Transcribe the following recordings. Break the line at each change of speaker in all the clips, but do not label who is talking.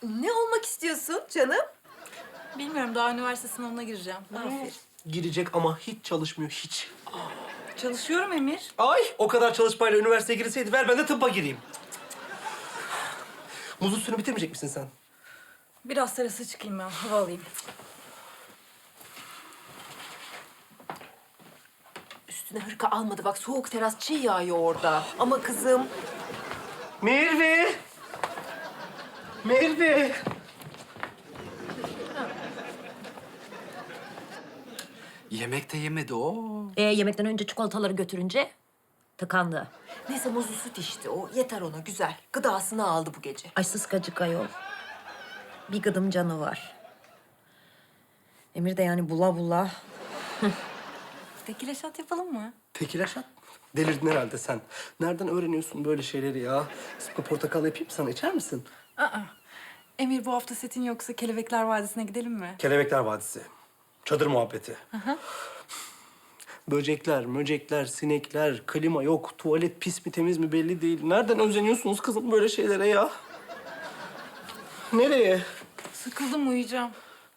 Ne olmak istiyorsun canım?
Bilmiyorum, daha üniversite sınavına gireceğim.
Aferin.
Girecek ama hiç çalışmıyor, hiç.
Çalışıyorum Emir.
Ay, o kadar çalışmayla üniversiteye girseydi ver ben de tıbba gireyim. Muzlu suyunu bitirmeyecek misin sen?
Biraz terasa çıkayım ben, hava alayım.
Üstüne hırka almadı. Bak soğuk teras çiğ yağıyor orada. Ama kızım...
Merve! Merve!
Yemek de yemedi o.
Yemekten önce çikolataları götürünce tıkandı.
Neyse muzlu süt içti o. Yeter ona güzel. Gıdasını aldı bu gece.
Ay sıskacık ayol. Bir gıdım canı var. Emir de yani bula bula.
Tekile şat yapalım mı?
Tekile şat. Delirdin herhalde sen. Nereden öğreniyorsun böyle şeyleri ya? Sıkı portakal yapayım sana, içer misin?
Aa. Emir, bu hafta setin yoksa Kelebekler Vadisi'ne gidelim mi?
Kelebekler Vadisi. Çadır muhabbeti. Böcekler, möcekler, sinekler, klima yok. Tuvalet pis mi temiz mi belli değil. Nereden özeniyorsunuz kızım böyle şeylere ya? Nereye?
Sıkıldım, uyuyacağım.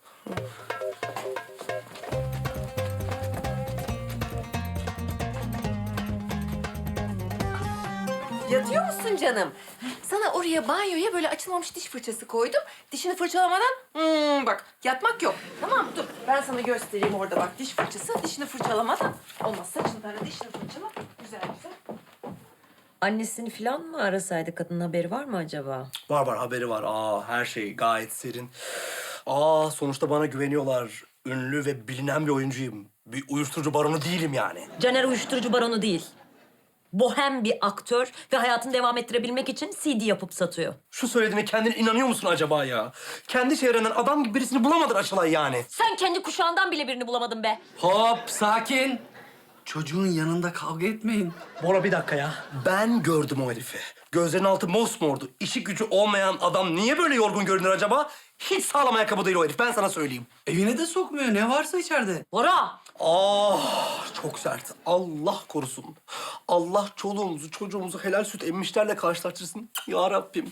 Yatıyor musun canım? Sana oraya banyoya böyle açılmamış diş fırçası koydum. Dişini fırçalamadan bak yatmak yok. Tamam mı? Dur ben sana göstereyim orada bak diş fırçası. Dişini fırçalamadan olmaz. Saçını tara dişini fırçala. Güzel güzel.
Annesini falan mı arasaydı kadının haberi var mı acaba?
Var haberi var. Her şey gayet serin. Sonuçta bana güveniyorlar. Ünlü ve bilinen bir oyuncuyum. Bir uyuşturucu baronu değilim yani.
Caner uyuşturucu baronu değil. Bohem bir aktör ve hayatını devam ettirebilmek için CD yapıp satıyor.
Şu söylediğine kendine inanıyor musun acaba ya? Kendi çevrenden adam gibi birisini bulamadın Açılay yani.
Sen kendi kuşağından bile birini bulamadın be.
Hop, sakin. Çocuğun yanında kavga etmeyin.
Bora bir dakika ya. Ben gördüm o herifi. Gözlerinin altı mosmordu. İşi gücü olmayan adam niye böyle yorgun görünür acaba? Hiç sağlam ayakkabı değil o herif, ben sana söyleyeyim.
Evine de sokmuyor. Ne varsa içeride.
Bora!
Çok sert. Allah korusun. Allah çoluğumuzu, çocuğumuzu helal süt emmişlerle karşılaştırsın. Ya Rabbim.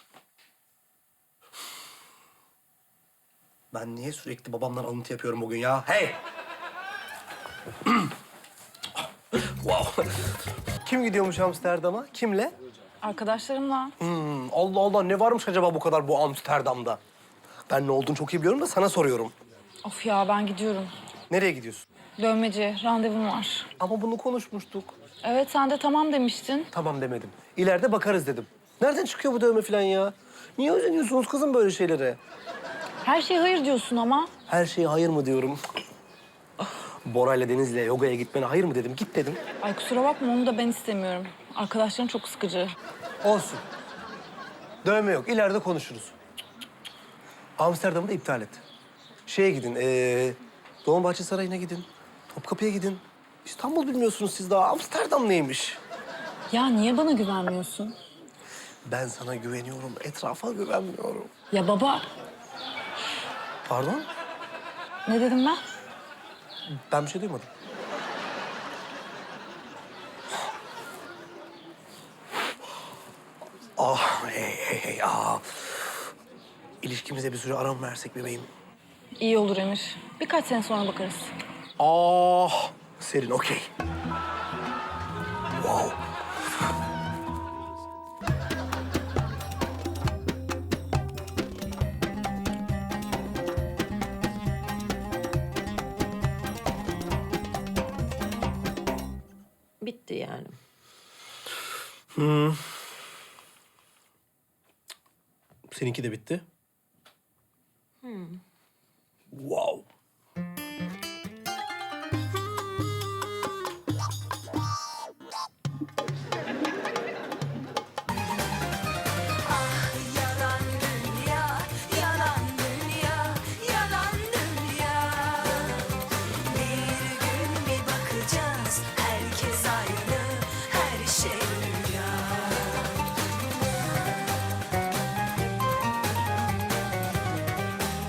Ben niye sürekli babamdan alıntı yapıyorum bugün ya? Hey! Wow. Kim gidiyormuş Amsterdam'a? Kimle?
Arkadaşlarımla.
Allah Allah, ne varmış acaba bu kadar bu Amsterdam'da? Ben ne olduğunu çok iyi biliyorum da sana soruyorum.
Of ya, ben gidiyorum.
Nereye gidiyorsun?
Dövmeci, randevum var.
Ama bunu konuşmuştuk.
Evet, sen de tamam demiştin.
Tamam demedim. İleride bakarız dedim. Nereden çıkıyor bu dövme falan ya? Niye özeniyorsunuz kızım böyle şeylere?
Her şeye hayır diyorsun ama.
Her şeye hayır mı diyorum? Bora'yla Deniz'le yogaya gitmene hayır mı dedim? Git dedim.
Ay kusura bakma, onu da ben istemiyorum. Arkadaşlarım çok sıkıcı.
Olsun. Dövme yok. İleride konuşuruz. Amsterdam'ı da iptal et. Şeye gidin. Dolmabahçe Sarayı'na gidin. Topkapı'ya gidin. İstanbul bilmiyorsunuz siz daha. Amsterdam neymiş?
Ya niye bana güvenmiyorsun?
Ben sana güveniyorum. Etrafa güvenmiyorum.
Ya baba,
Pardon?
ne dedim ben?
Ben bir şey duymadım. Hey. İlişkimize bir süre ara mı versek bebeğim?
İyi olur Emir. Birkaç sene sonra bakarız.
Serin, okey. Wow.
Bitti yani.
Seninki de bitti. Wow.